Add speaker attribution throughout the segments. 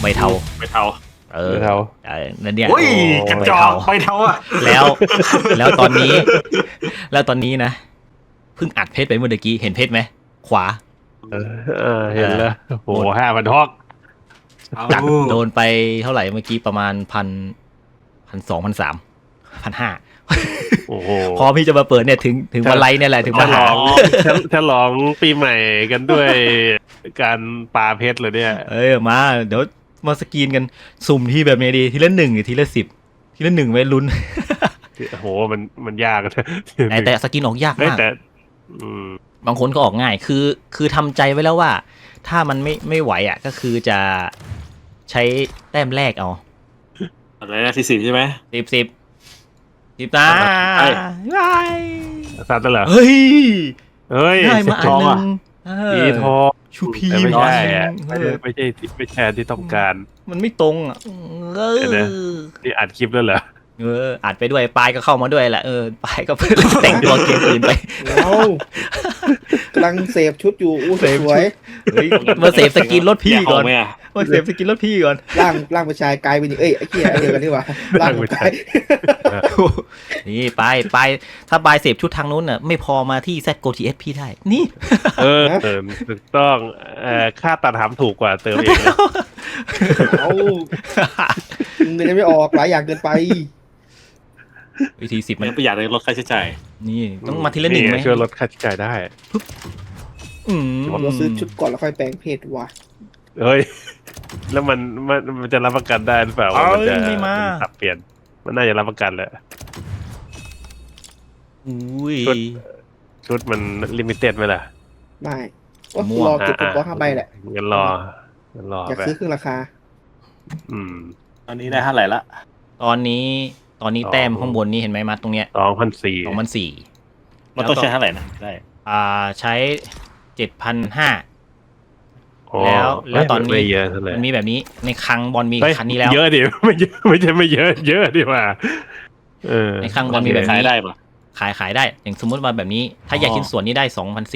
Speaker 1: เทา
Speaker 2: ใบเทา
Speaker 1: นั่นเนี่ย
Speaker 2: โอ้ยกระจอกใบเทาอะ
Speaker 1: แล้วแล้วตอนนี้นะเพิ่งอัดเพชรไปเมื่อกี้เห็นเพชรไหมขวา
Speaker 3: เห็นแล้วโอ้โห5,000 ฮอก
Speaker 1: จัดโดนไปเท่าไหร่เมื่อกี้ประมาณ1,200 1,300 1,500
Speaker 3: โอ้โห
Speaker 1: พอพี่จะมาเปิดเนี่ยถึงวันไรเนี่ยแหละถึงมา
Speaker 3: ฉลองปีใหม่กันด้วยการปาเพชรเลยเนี่ย
Speaker 1: มาเดี๋ยวมาสกรีนกันสุ่มที่แบบนี้ดีทีละ1หรือทีละ10ทีละ1ไว้ลุ้น
Speaker 3: โอ้โหมันยาก
Speaker 1: แต่สกรีนออกยากมาก
Speaker 3: แต่
Speaker 1: บางคนก็ออกง่ายคือทำใจไว้แล้วว่าถ้ามันไม่ไหวอ่ะก็คือจะใช้แต้มแรกเอา
Speaker 2: อะไรนะที่10ใช่ไหม
Speaker 1: 10ตา
Speaker 3: ซาตเหรอ
Speaker 1: เฮ้ย
Speaker 3: ได้
Speaker 1: มาอันนึง
Speaker 3: ปีทอง
Speaker 1: ชูพี
Speaker 3: ไม่ใช่ที่ต้องการ
Speaker 1: มันไม่ตรงอ่ะ
Speaker 3: นี่อัดคลิปแล้วเหรอ
Speaker 1: อัดไปด้วยปลายก็เข้ามาด้วยแหละปลายก็แต่งตัวเกมอื่นไป
Speaker 4: กำลังเสพชุดอยู่สวย
Speaker 1: มาเสพสกินรถพี่ก่อนมาเสพสกินรถพี่ก่อน
Speaker 4: ร่างผู้ชายกลายเป็นไอ้เหี้ยเดียวกันดีกว่าร่างผู้ชาย
Speaker 1: นี่ไปถ้าปลายเสพชุดทางนู้นน่ะไม่พอมาที่ ZGoTS พี่ได้นี่
Speaker 3: ถูกต้องค่าตัดหำถูกกว่าเติมเอง
Speaker 4: เงินไม่ออกหลายอย่างเกินไป
Speaker 1: วิธี10มัน
Speaker 2: ประหยัดในลดค่าใช้จ่าย
Speaker 1: นี่ต้องมาทีละ1ไหม
Speaker 3: ช่วยลดค่าใช้จ่ายได้
Speaker 4: เราซื้อชุดก่อนแล้วค่อยแปลงเพศว่ะ
Speaker 3: เฮ้ยแล้วมันจะรับประกันได้หรือเปล่าว่ามันจะสับเปลี่ยนมันน่าจะรับประกันแหละชุดมันลิมิเต็ดไหมล่ะ
Speaker 4: ไม่ก็รอเก็บตัว5 ใบแหละ
Speaker 3: งั้นรอ
Speaker 4: อยากซื้อครึ่งราคา
Speaker 2: ตอนนี้ได้เท่าไหร่ละ
Speaker 1: ตอนนี้แต้มข้างบนนี้เห็นไหมมาตรงเนี้ย
Speaker 3: 2,400
Speaker 2: มันต้องใช้เท่าไหร่นะได้
Speaker 1: ใช้ 7,500 แล้วตอนนี้มันมีแบบนี้ในคลังบอลมีคันนี้แล้ว
Speaker 3: เยอะดิไม่ใช่เยอะดิว่า
Speaker 1: ในคลังบอลมีแบบนี้
Speaker 2: ขายได้ปะ
Speaker 1: ขายได้อย่างสมมติว่าแบบนี้ถ้าแยกชิ้นส่วนนี้ได้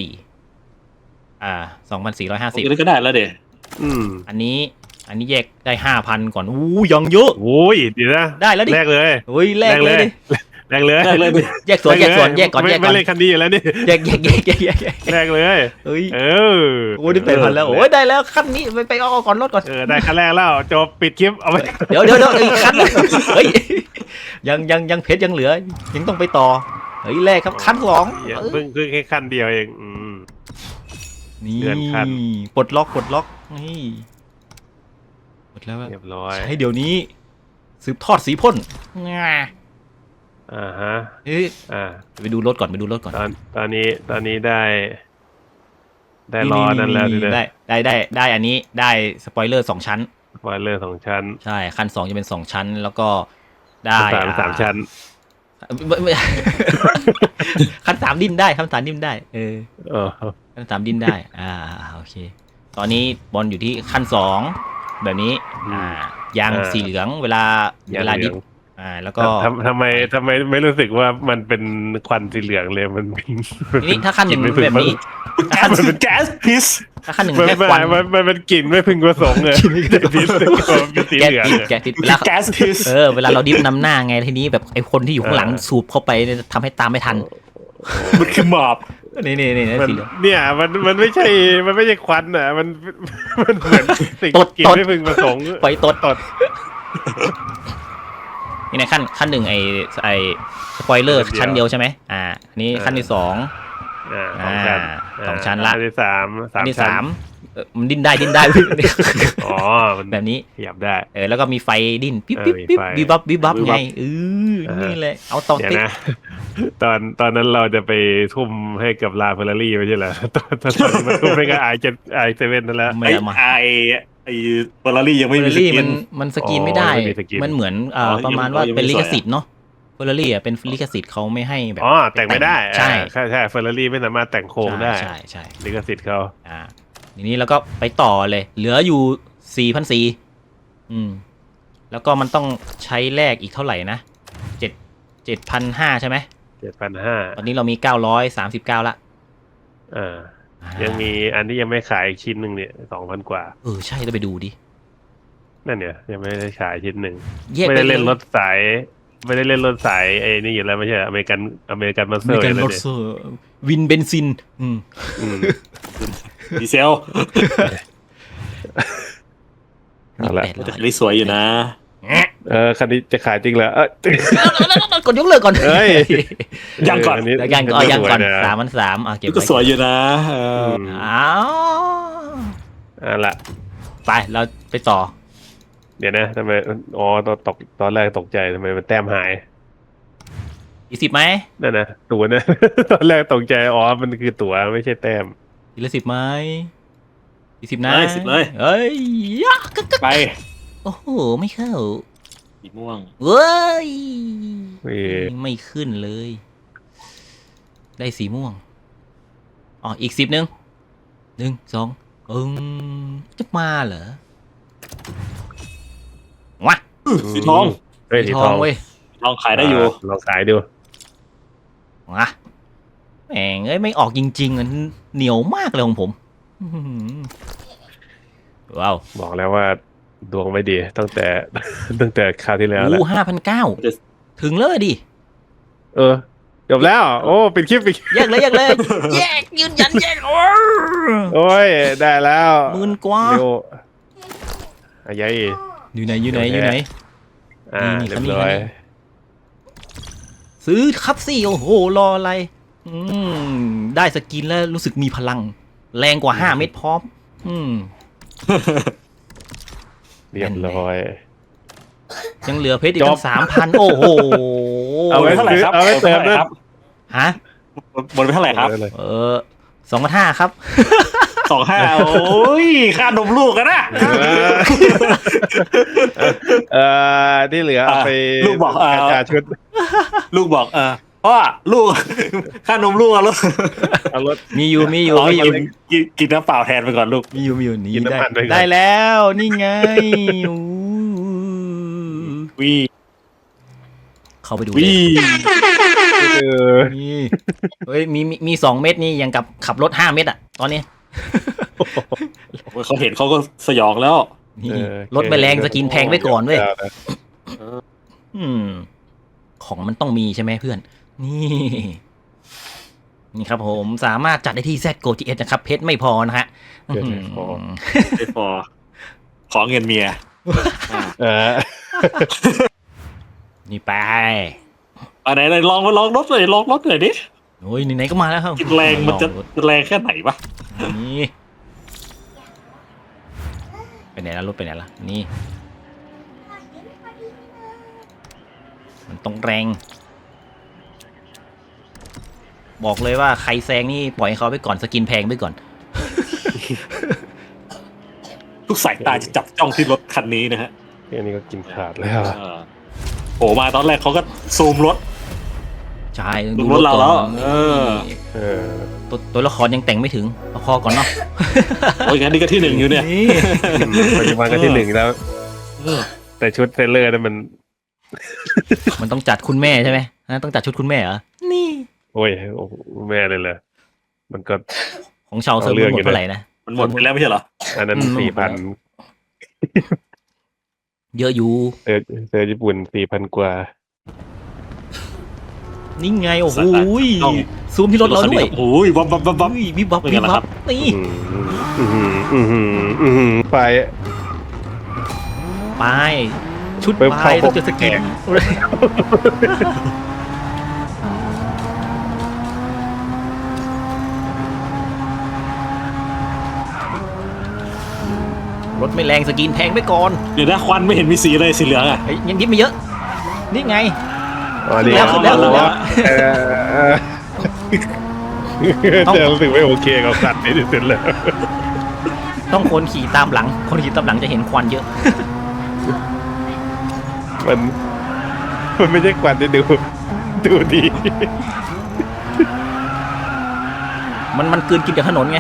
Speaker 1: 2,450
Speaker 2: ก็ได้แล้วเดี๋ยว
Speaker 1: อันนี้แยกได้ 5,000 ก่อนยังเยอะ
Speaker 3: ดีนะ
Speaker 1: ได้แล้วดิ
Speaker 3: แรกเลย
Speaker 1: แรกเลยแยกส่วนแยกก่อน
Speaker 3: ไม่เล่นคันดีอยู่แล้วนี่
Speaker 1: แยก
Speaker 3: แรกเลย
Speaker 1: ได้8,000แล้วได้แล้วคันนี้ไปเอาก่อนรถก่อน
Speaker 3: ได้คันแรกแล้วจบปิดคลิปเอาไป
Speaker 1: เดี๋ยวอีกคันยังเพชรยังเหลือยังต้องไปต่อแรกครับคัน2
Speaker 3: เพิ่งแค่คันเดียวเอง
Speaker 1: นี่ปลดล็อกนี่หมดแล้ว
Speaker 3: เรียบร้อย
Speaker 1: ให้เดี๋ยวนี้สืบทอดสีพ่นไปดูรถก่อน
Speaker 3: ตอนนี้ได้ล้อนั่นแล้ว
Speaker 1: ได้อันนี้ได้สปอยเลอร์2 ชั้นใช่คัน2จะเป็น2 ชั้นแล้วก็ได้
Speaker 3: 3 ชั้น
Speaker 1: คัน3ดิ้นได้คัน3ดิ้นได้คัน3ดิ้นได้โอเคตอนนี้บอลอยู่ที่คัน2แบบนี้ยางสีเหลืองเวลาดิฟแล้วก็
Speaker 3: ทำไมไม่รู้สึกว่ามันเป็นควันสีเหลืองเลยมัน
Speaker 1: นี่ถ้าขั้น1แบบนี้
Speaker 3: มันเป็นแก๊สพิษ
Speaker 1: ถ้าขั้น1แค่ควัน
Speaker 3: มันเป็นกลิ่นไม่พึงประสงค์เลยพิษเป็นสีเหลือง
Speaker 1: แก๊สพิษเวลาเราดิฟนำหน้าไงทีนี้แบบไอ้คนที่อยู่ข้างหลังสูบเข้าไปทำให้ตามไม่ทัน
Speaker 2: มันคือหมอบ
Speaker 1: เนี่ย
Speaker 3: มันไม่ใช่ควันอ่ะมันเหมือนสิ่งกลิ่นไม่พึงประสงค์
Speaker 1: ไปตดนี่ในขั้น1ไอสปอยเลอร์ชั้นเดียวใช่ไหมอันนี้ขั้นที่2 2 ชั้นละ
Speaker 3: ขั้นที่3
Speaker 1: มันดิ้นได้แบบนี้
Speaker 3: ขยับได้
Speaker 1: แล้วก็มีไฟดิ้นปิ๊บวิบับไงนี่เลยเอาต่อติด
Speaker 3: ตอนนั้นเราจะไปทุ่มให้กับลาเฟอร์รารี่ไม่ใช่เหรอตอนมันทุ่มให้กับi7 นั่นแหละ
Speaker 2: ไอเฟอร์รารี่ยังไม่มีสกิน
Speaker 1: มันสกินไม่ได้มันเหมือนประมาณว่าเป็นลิขสิทธิ์เนาะเฟอร์รารี่เป็นลิขสิทธิ์เขาไม่ให้แบบ
Speaker 3: แต่งไม่ได้
Speaker 1: ใช่
Speaker 3: เฟอร์รารี่ไม่สามารถแต่งโครงได้
Speaker 1: ใช่
Speaker 3: ลิขสิทธิ์เขา
Speaker 1: ทีนี้แล้วก็ไปต่อเลยเหลืออยู่ 4,400แล้วก็มันต้องใช้แลกอีกเท่าไหร่นะ7,500ใช่ไหม
Speaker 3: 7,500
Speaker 1: ตอนนี้เรามี939ละ
Speaker 3: ยังมีอันที่ยังไม่ขายอีกชิ้นหนึ่งเนี่ย 2,000 กว่า
Speaker 1: ใช่ต้องไปดูดิ
Speaker 3: นั่นเนี่ยยังไม่ได้ฉายชิ้นหนึ่ง
Speaker 1: แยก
Speaker 3: ไม่
Speaker 1: ไป
Speaker 3: ได้เล่น
Speaker 1: ย
Speaker 3: รถสาย ไม่ได้เล่นรถสายไอ้นี่อยู่แล้วไม่ใช่อเมริกันมาสเต
Speaker 1: มี
Speaker 3: อร์
Speaker 1: การ
Speaker 3: เลย
Speaker 1: รถ
Speaker 3: เนี่ย
Speaker 1: เซอร์วินเบนซิน อืม
Speaker 3: อืม
Speaker 2: ดีเซล
Speaker 3: เอาละ
Speaker 1: 800
Speaker 2: แต่คันนี้สวยอยู่นะ
Speaker 3: คันนี้จะขายจริงเหรอ
Speaker 1: กดยกเลิกก่อน
Speaker 3: เอ้ย
Speaker 2: ยังก่อน
Speaker 3: นี้
Speaker 1: เดี๋ยวยังก่อนยังก่อน
Speaker 3: สวยะ
Speaker 1: 3,300เก็บ
Speaker 2: ก็
Speaker 1: ไว้
Speaker 2: สวยอยู่นะ
Speaker 3: อืม
Speaker 1: อ้าว
Speaker 3: เอาละ
Speaker 1: ไปเราไปต่อ
Speaker 3: เดี๋ยวนะทำไมอ๋อตอนแรกตกใจทำไมมันแต้มหาย
Speaker 1: อีก10ไหม
Speaker 3: นั่นนะตัวนะ ตอนแรกตกใจอ๋อมันคือตั๋วไม่ใช่แต้ม
Speaker 1: อีกละ10ไหมอีก10นะ
Speaker 2: เลย10เลย
Speaker 1: เอ้ยยะกึกกึก
Speaker 2: ไป
Speaker 1: โอ้โหไม่เข้า
Speaker 2: สีม่วง
Speaker 1: เว้ย
Speaker 3: เว้ย
Speaker 1: ไม่ขึ้นเลย ได้สีม่วงอ๋ออีก10นึง1 2จะมาเหรอวะ
Speaker 2: สีทอง
Speaker 3: เฮ้ย
Speaker 1: สี
Speaker 3: สี
Speaker 1: ท
Speaker 3: ท
Speaker 1: อ
Speaker 3: อง ง
Speaker 1: เว้ย
Speaker 2: ลองขายได้อยู่
Speaker 3: ลองขายดู
Speaker 1: วะแหงเอ้ยไม่ออกจริงๆอ่ะเหนียวมากเลยของผมอื้อหือว้าว
Speaker 3: บอกแล้วว่าดวงไม่ดีตั้งแต่ ตั้งแต่คราวที่แล้วแหละ
Speaker 1: 5,900ถึงเลยดิ
Speaker 3: เออจบแล้ว โอ้ปิดคลิป
Speaker 1: แยกเลยแยกยืนยันแยกโอ้
Speaker 3: โอ้ยได้แล้ว
Speaker 1: 10,000 กว่า
Speaker 3: เร็วอายัย
Speaker 1: อยู่ไหน
Speaker 3: นี่
Speaker 1: เรีย
Speaker 3: เรี
Speaker 1: บ
Speaker 3: ยบร้อย
Speaker 1: ซื้อครับสิโอ้โหรออะไรได้สกินแล้วรู้สึกมีพลัง แรงกว่า5 เม็ดพร้อม
Speaker 3: เรียบร้อย
Speaker 1: ยังเหลือเพชรอีก
Speaker 3: จ
Speaker 1: ตั้
Speaker 3: บ
Speaker 1: ง 3,000 โอ้โห
Speaker 3: เอาไว้
Speaker 2: เท่าไหร่ครับ
Speaker 3: เอาไว้เติมด้วย
Speaker 2: ครับ
Speaker 1: ฮะ
Speaker 2: บนไปเท่าไหร่ครับ
Speaker 1: 2,500 ครับ
Speaker 2: 25โอ้ยค่านมลูกกันนะ
Speaker 3: ที่เหลือเอาไป
Speaker 2: ลูกบอก
Speaker 3: กระจายชุด
Speaker 2: ลูกบอกพ่อลูก ค่านมลูกอะลูก
Speaker 3: เอารถ
Speaker 1: มีอยู่
Speaker 2: กินน้ำเปล่าแทนไปก่อนลูก
Speaker 1: มีอยู่นี่
Speaker 3: กินน้ำมันไปก่อน
Speaker 1: ได้แล้วนี่ไงอู้
Speaker 2: วี
Speaker 1: เข้าไปดูเล
Speaker 2: วี
Speaker 1: ย
Speaker 3: เออ
Speaker 1: นี่เฮ้ยมี2 เม็ดนี่ยังกับขับรถ5 เม็ดอ่ะตอนนี้
Speaker 2: เขาเห็นเขาก็สยองแล้ว
Speaker 1: นี่
Speaker 3: เออ
Speaker 1: รถไปแรงสกินแพงไว้ก่อนเว้ย
Speaker 3: เอาละ
Speaker 1: ของมันต้องมีใช่ไหมเพื่อน นี่ครับผมสามารถจัดได้ที่ ZGO GS นะครับเพชรไม่พอนะฮะ
Speaker 3: เดี๋ยวจะขอ
Speaker 2: ไม่พอขอเงินเมีย
Speaker 3: เออ
Speaker 1: นี่ไป
Speaker 2: ไหนลองรถหน่อยลองรถหน่อยดิ
Speaker 1: โอ้ยไหนๆก็มาแล้วครับ
Speaker 2: กินแรงมันจะแรงแค่ไหนวะ
Speaker 1: นี่ไปไหนแล้วรถไปไหนละนี่มันต้องแรง บอกเลยว่าใครแซงนี่ปล่อยให้เขาไปก่อนสกินแพงไปก่อน
Speaker 2: ทุกสายตาจะจับจ้องที่รถคันนี้นะฮะ
Speaker 3: แค่นี้ก็กินขาดแล้ว
Speaker 2: โผล่มาตอนแรกเขาก็ซูมรถ
Speaker 1: ใช่
Speaker 2: ดูรถเราแล้ว
Speaker 1: ก่อน
Speaker 2: นี่
Speaker 3: เออ
Speaker 1: ตัวละครยังแต่งไม่ถึงเอาคอก่อนเนาะ
Speaker 2: โอ้ยงั้นนี่ก็ที่ 1อยู่เนี่ย
Speaker 1: นี่
Speaker 3: ปัจจุบันก็ที่ 1แล้ว แต่ชุดเซเลอร์นั้นมัน
Speaker 1: มันต้องจัดคุณแม่ใช่ไหมต้องจัดชุดคุณแม่เหรอนี่
Speaker 3: โอ้ยโอ้โหแม่เลยเหรอมันก็
Speaker 1: ของชาวเซิร์ฟ
Speaker 3: เอาเรื่อง
Speaker 1: หม
Speaker 3: อยู่
Speaker 1: ด
Speaker 3: นะ
Speaker 1: เท่าไหร่นะ
Speaker 2: มันหมดไปแล้วไม่ใช่เหรอ
Speaker 3: อันนั้น 4,000
Speaker 1: เยอะอยู่
Speaker 3: เซอร์ญี่ปุ่น 4,000 กว่า
Speaker 1: นี่ไงโอ้โห
Speaker 2: ต้อง
Speaker 1: ซูมที่รถเราด้วย
Speaker 2: โอ้ยวับวับวับวับ
Speaker 1: อุ้ยวิบวับ
Speaker 2: เป็น
Speaker 1: วิ
Speaker 2: ไง
Speaker 1: บ
Speaker 2: ล่ะ
Speaker 1: วั
Speaker 2: ครับ บ
Speaker 1: นี่
Speaker 3: ไป
Speaker 1: ไปชุด
Speaker 3: เพิ่ม
Speaker 1: ไป
Speaker 3: เข้า
Speaker 1: ต้องจะสกินรถไม่แรงสกินแพงไปก่อน
Speaker 2: เดี๋ยวนะควันไม่เห็นมีสีเลยสีเหลืองอ่ะ
Speaker 1: เฮ้ยยังยิบไม่เยอะ นี่ไง
Speaker 3: อ๋อนี่
Speaker 1: ขึ้นแล้ว ต้อง
Speaker 3: จะรู้สึกไม่โอเคกับสัตว์ในที่สุดเลย
Speaker 1: ต้องคนขี่ตามหลัง คนขี่ตามหลังจะเห็นควันเยอะ
Speaker 3: มันไม่ใช่ควันที่ดูดี
Speaker 1: มันกลืนกินจากถนนไง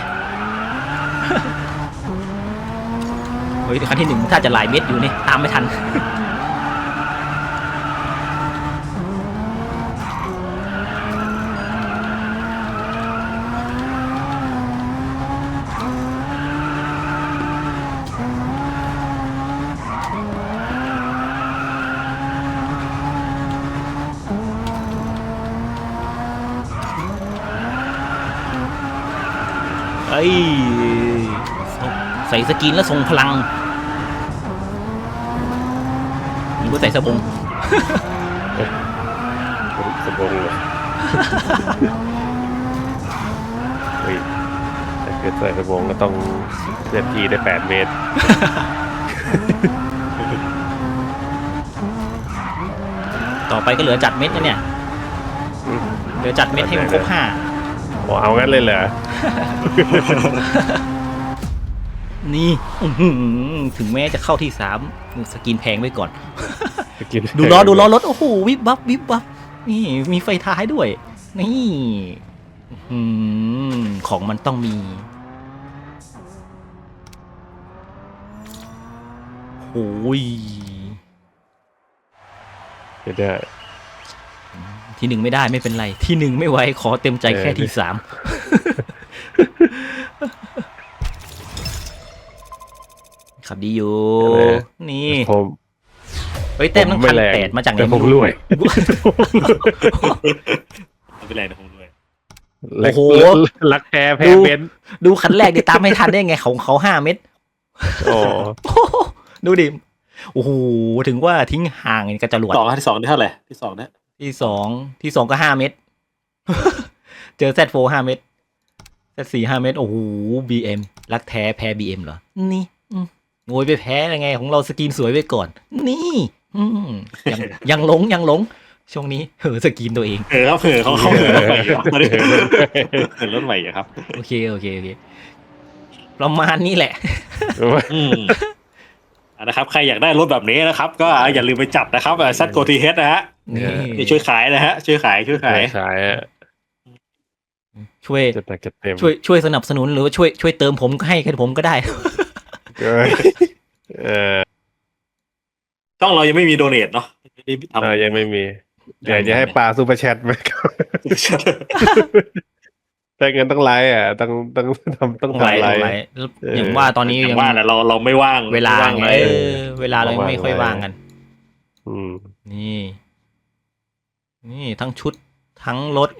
Speaker 1: เฮ้ยคันที่ 1ถ้าจะหลายเม็ดอยู่นี่ตามไม่ทันใส่สกินแล้วทรงพลังหรือว่าใส่สบง
Speaker 3: สมองเลยเฮ้ยถ้าเกิดใส่สมองก็ต้องเคลื่อนที่ได้8 เมตร
Speaker 1: ต่อไปก็เหลือจัดเม็ดนะเนี่ยเหลือจัดเม็ดให้มันครบ5
Speaker 3: โอ้เอางั้นเลยเหรอ
Speaker 1: นี่ถึงแม้จะเข้าที่3สกินแพงไว้ก่อน ดูล้อรถโอ้โหวิบวับวิบวับนี่มีไฟท้ายด้วยนี่ของมันต้องมีโอ้ย
Speaker 3: ไม่ได้
Speaker 1: ที่ 1ไม่ได้ไม่เป็นไรที่ 1ไม่ไหวขอเต็มใจแค่ที่ 3ขับดีอยู่นี่
Speaker 3: ผม
Speaker 1: เฮ้ยเต็มตั้ง1,800มาจากไหน
Speaker 3: แต่ผมรวย
Speaker 2: ไม่เป็นไรนะผมด้วย
Speaker 1: โอ้โห
Speaker 3: รักแท้แพ้เบนซ์
Speaker 1: ดูคันแรกดิตามไม่ทันได้ไงของเขา5 เม็ด
Speaker 3: โอ้
Speaker 1: ดูดิโอ้โหถึงว่าทิ้งห่างกับจรวด
Speaker 2: ที่สองได้เท่าไหร่ที่สองนะ
Speaker 1: ที่สองก็5 เม็ด เจอ Z4 5 เม็ด Z4 5 เม็ดโอ้โห BM รักแท้แพ้ BM เหรอนี่โง่ไปแพ้ยังไงของเราสกินสวยไว้ก่อนนี่ยังหลงช่วงนี้สกินตัวเอง
Speaker 2: ครับเขาเหินรถใหม่อยู่ตอนนี้เหินรถใหม่อยู่ครับ
Speaker 1: โอเคประมาณนี้แหละ
Speaker 2: นะครับใครอยากได้รถแบบนี้นะครับก็อย่าลืมไปจับนะครับซัดโกทีเฮดนะฮะ
Speaker 1: นี่
Speaker 2: ช่วยขายนะฮะช่วยขาย
Speaker 3: ขายอะ
Speaker 1: ช่วย
Speaker 3: จะหนักจะเต็ม
Speaker 1: ช่วยสนับสนุนหรือว่าช่วยเติมผมก็ให้ผมก็ได้
Speaker 2: ต้องเรายังไม่มีโดเนทเนาะ
Speaker 3: ยังไม่มีอยากจะให้ปลาซูเปอร์แชทไหมแต่เงินต้องไลฟ์อ่ะต้องทำไลฟ์
Speaker 1: อย่างว่าตอนนี้
Speaker 2: อย่างว่าแหละเราไม่ว่าง
Speaker 1: เวลา
Speaker 2: ไม่ว่าง
Speaker 1: ไง
Speaker 2: ไลฟ์
Speaker 1: เวลาเราไม่ค่อยว่างกัน นี่ทั้งชุดทั้งรถ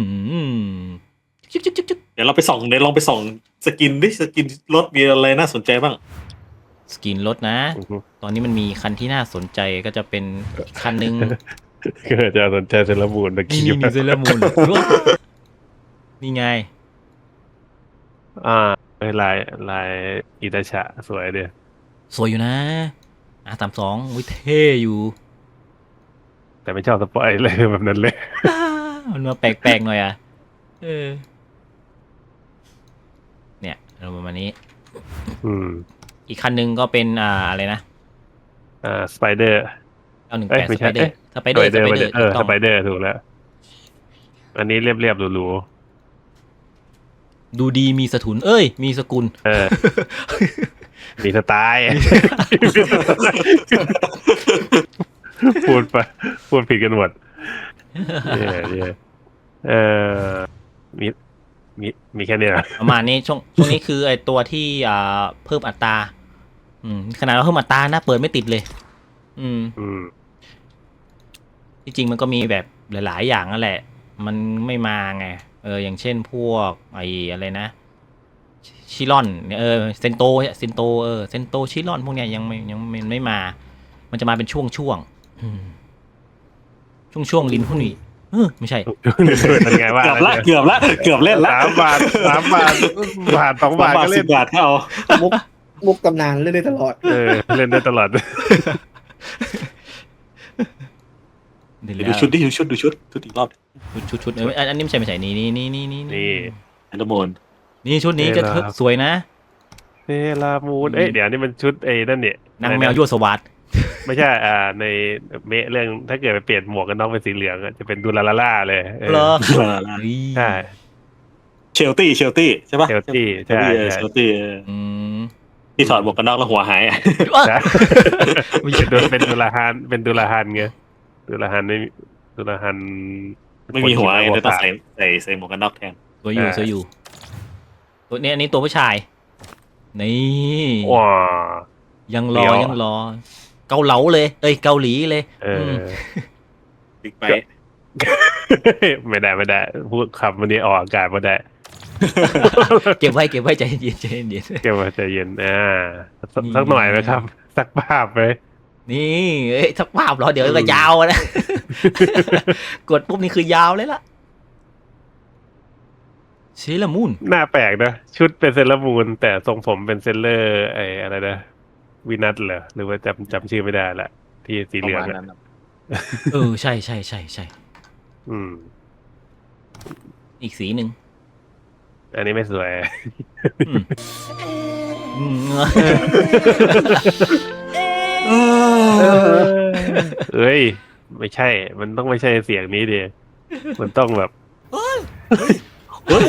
Speaker 1: จุ๊ก
Speaker 2: เดี๋ยวลองไปส่องสกินดิสกินรถมีอะไรน่าสนใจบ้าง
Speaker 1: สกินรถนะ ตอนนี้มันมีคันที่น่าสนใจก็จะเป็นคันหนึ่ง
Speaker 3: ก็จะสนใจเซเลบูนตะ
Speaker 1: นี่
Speaker 3: กี้
Speaker 1: เซเลอร์มูนนี่ไง
Speaker 3: ลายอิตาชะสวยเดีย
Speaker 1: สวยอยู่นะR32อุ้ยเท่อยู่
Speaker 3: แต่ไม่ชอบสปอยเลยแบบนั้นเลย
Speaker 1: มันมาแปลกๆหน่อยอ่ะเนี่ยเราประมาณนี้ อีกคันหนึ่งก็เป็นอะไรนะ
Speaker 3: สไปเดอร์
Speaker 1: 918
Speaker 3: ไม่ใช่
Speaker 1: สไปเดอร์
Speaker 3: สไปเดอร์ถูกแล้ว อันนี้เรียบหรู
Speaker 1: ดูดีมีสถุนมีสกุล
Speaker 3: มีสไตล์ พูดผิดกันหมดเนี่ยมีแค่นี้
Speaker 1: ประมาณนี้ช่วงนี้คือไอตัวที่เพิ่มอัตราขนาดเราเพิ่มอัตรานะเปิดไม่ติดเลยที่จริงมันก็มีแบบหลายๆอย่างนั่นแหละ มันไม่มาไงอย่างเช่นพวกไออะไรนะชิลอนเซนโตเซนโตชิลอนพวกเนี้ยยังไม่มา มันจะมาเป็นช่วงลิ้นพวกนี้ไม่ใช่
Speaker 3: เป็นไงว่า
Speaker 2: เกือบเล่นละ
Speaker 3: 3 บาท 2 บาทก็เล่น
Speaker 2: 10 บาทก็เอา
Speaker 4: มุกตำนานเล่นได้ตลอด
Speaker 3: เล่นได้ตลอด
Speaker 2: ดูชุดอีกรอบ
Speaker 1: ชุดอันนี้ไม่ใช่นี่
Speaker 2: แอนโดโมน
Speaker 1: นี่ชุดนี้ก็สวยนะ
Speaker 3: เซรามูนเดี๋ยวนี่มันชุดนั่นเนี่ย
Speaker 1: นางแมวยั่วสวัสด
Speaker 3: ไม่ใช่ในเรื่องถ้าเกิดไปเปลี่ยนหมวกกันน็อกเป็นสีเหลืองจะเป็นดูลาล่าเลย
Speaker 1: เหรอ
Speaker 3: ใช่
Speaker 2: เชลตี้ใช่ป่ะ
Speaker 3: เชลตี้ใช่
Speaker 2: เชลตี้ที่ถอดหมวกกันน็อกแล้วหัวหาย
Speaker 3: ไม่ใช่เป็นดูลาฮันไงดูลาฮัน
Speaker 2: ไม่มีหัวไงเลยต้องใส่หมวกกันน็อกแทน
Speaker 1: สวยอยู่ตัวนี้อันนี้ตัวผู้ชายนี่
Speaker 3: ว้า
Speaker 1: ยังรอเกาเหลาเลยเกาหลีเลย
Speaker 2: บิ๊กไบค์
Speaker 3: ไม่ได้พูดคำวันนี้ออกอากาศไม่ได้
Speaker 1: เก็บไว้ใจเย็นใจเย็น
Speaker 3: เก็บไว้ใจเย็นสักหน่อยไหมครับ สักภาพไหม
Speaker 1: นี่สักภาพเหรอเดี๋ยวก็ยาวนะ กดปุ๊บนี่คือยาวเลยล่ะเซเลอร์มูน
Speaker 3: หน้าแปลกนะชุดเป็นเซเลอร์มูนแต่ทรงผมเป็นเซเลอร์อะไรนะวินัทเหรอหรือว่าจำชื่อไม่ได้ละที่สี
Speaker 4: ป
Speaker 3: เหลื
Speaker 4: ระ
Speaker 3: อง
Speaker 4: มาณ
Speaker 3: อะ
Speaker 4: นั้นครับ
Speaker 1: ใช่
Speaker 3: อืม
Speaker 1: อีกสีหนึ่ง
Speaker 3: อันนี้ไม่สวย
Speaker 1: อืมอืม
Speaker 3: เอ้ย ไม่ใช่ มันต้องไม่ใช่เสียงนี้ดิมันต้องแบบ
Speaker 2: เฮ้ย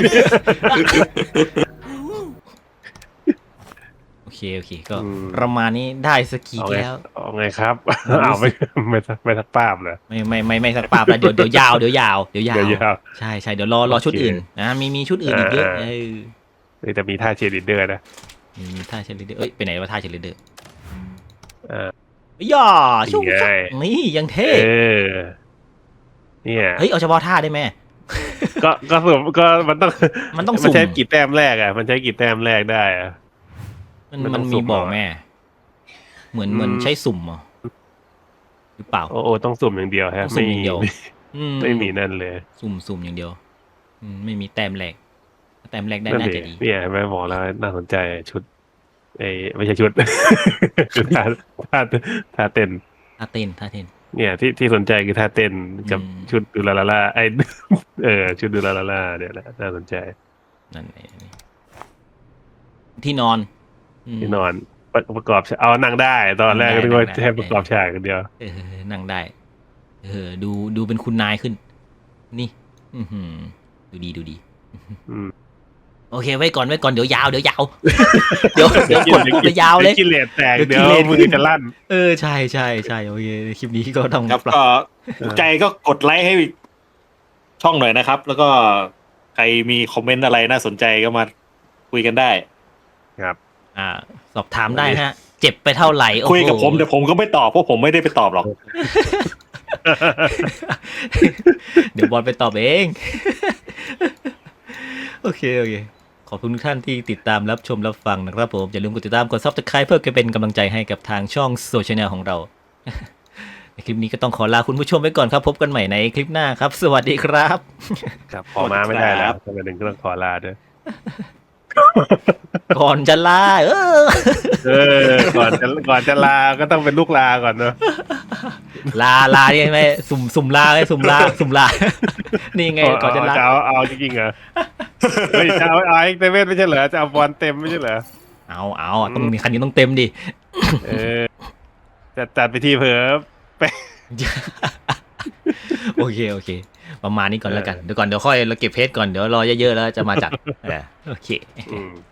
Speaker 1: โอเคก็ประมาณนี้ได้สกี
Speaker 3: เอาไง
Speaker 1: แล้ว
Speaker 3: เอาไงครับ เอาไม่สักภาพเลย
Speaker 1: ไม่สักปาบแล้วเดี๋ยวยาว
Speaker 3: เดี๋ยวยาว
Speaker 1: ใช่เดี๋ยวรอชุดอื่นนะมีชุดอื่นอีกเยอะ
Speaker 3: แต่มีท่าเชียร์ลีดเดอร์นะ
Speaker 1: มีท่าเชลเลเดอร์ไปไหนวะท่าเชลเลเดอร์
Speaker 3: ย่
Speaker 1: ชุ่ม
Speaker 3: ไง
Speaker 1: นี่ยังเท่
Speaker 3: เนี่ย
Speaker 1: เฮ้ยเอาเฉพาะท่าได้ไหม
Speaker 3: ก็สมก็มันต้อง
Speaker 1: มันต้อง
Speaker 3: มัน
Speaker 1: สุ่ม
Speaker 3: ใช้กี่แต้มแรกอ่ะมันใช้กี่แต้มแรกได้อ่ะ
Speaker 1: มันมีบอกแม่เหมือนใช้สุ่มเหรอหรือเปล่า
Speaker 3: โอ้ต้องสุ่มอย่างเดียวฮะ
Speaker 1: ต้องสุ่มอย่างเดียว
Speaker 3: ไม่มีนั่นเลย
Speaker 1: สุ่มอย่างเดียวไม่มีแต้มแรกแต้มแรกได้
Speaker 3: นั่น
Speaker 1: น่า
Speaker 3: เอ
Speaker 1: จะ
Speaker 3: ง
Speaker 1: ดี
Speaker 3: เนี่ยแม่บอกแล้วน่าสนใจชุดไม่ใช่ชุด ชุดท่าเต้น
Speaker 1: ท่าเต้น
Speaker 3: เนี่ยที่สนใจคือท่าเต้นกับ
Speaker 1: อืม
Speaker 3: ชุดดูลาลาล่าชุดดูลาลาล่าเนี่ยแหละน่าสนใจ
Speaker 1: นั่นไงที่นอน
Speaker 3: ที่นอนประกอบเอานั่งได้ตอนแรกก็นึกว่าแค่ประกอบฉากกันเดียว
Speaker 1: นั่งได้ดูเป็นคุณนายขึ้น นี่ดูดี
Speaker 3: อืม
Speaker 1: โอเคไว้ก่อนเดี๋ยวยาว เดี๋ยวกดปุ๊บจะยาวเลย
Speaker 3: กิเลสแตก
Speaker 1: เดี๋
Speaker 3: เดี๋
Speaker 1: ย
Speaker 3: ยว ว
Speaker 1: กิเลส
Speaker 3: มือจะลั่น
Speaker 1: ใช่โอเคคลิปนี้ก็ต้อง
Speaker 2: ครับ
Speaker 1: ปรับ
Speaker 2: ก็ถูกใจก็กดไลค์ให้ช่องหน่อยนะครับ แล้วก็ใครมีคอมเมนต์อะไรน่าสนใจก็มาคุยกันได้
Speaker 3: ครับ
Speaker 1: สอบถามได้ฮะ เจ็บไปเท่าไหร่โอ้โห
Speaker 2: คุยกับผมแต่ผมก็ไม่ตอบเพราะผมไม่ได้ไปตอบหรอก
Speaker 1: เดี๋ยวบอลไปตอบเอง โอเคขอบคุณทุกท่านที่ติดตามรับชมรับฟังนะครับผมอย่าลืมกดติดตามกด Subscribe เพื่อเป็นกำลังใจให้กับทางช่องโซเชียลของเรา ในคลิปนี้ก็ต้องขอลาคุณผู้ชมไปก่อนครับพบกันใหม่ในคลิปหน้าครับ สวัสดีครับ
Speaker 3: ครับขอมาไม่ได้แล้วทำไมถึงต้องขอลาด้วย
Speaker 1: ก่อนจะลา
Speaker 3: ก่อนจะลาก็ต้องเป็นลูกลาก่อนเนอะ
Speaker 1: ลาเนี่ยไหมสุ่มลาไงสุ่มลา นี่ไงก่อนจะลา
Speaker 3: เอาจริงๆเหรอเฮ้ยจะเอาเอ็กเซเว่นไม่ใช่เหรอจะเอาบอลเต็มไม่ใช่เหรอ
Speaker 1: เอาต้องมีคันนี้ต้องเต็มดิ
Speaker 3: จัดไปทีเผลอไป
Speaker 1: โอเคประมาณนี้ก่อนแล้วกันเดี๋ยวค่อยเราเก็บเพจก่อนเดี๋ยวรอเยอะๆแล้วจะมาจัดโอเค
Speaker 3: อืม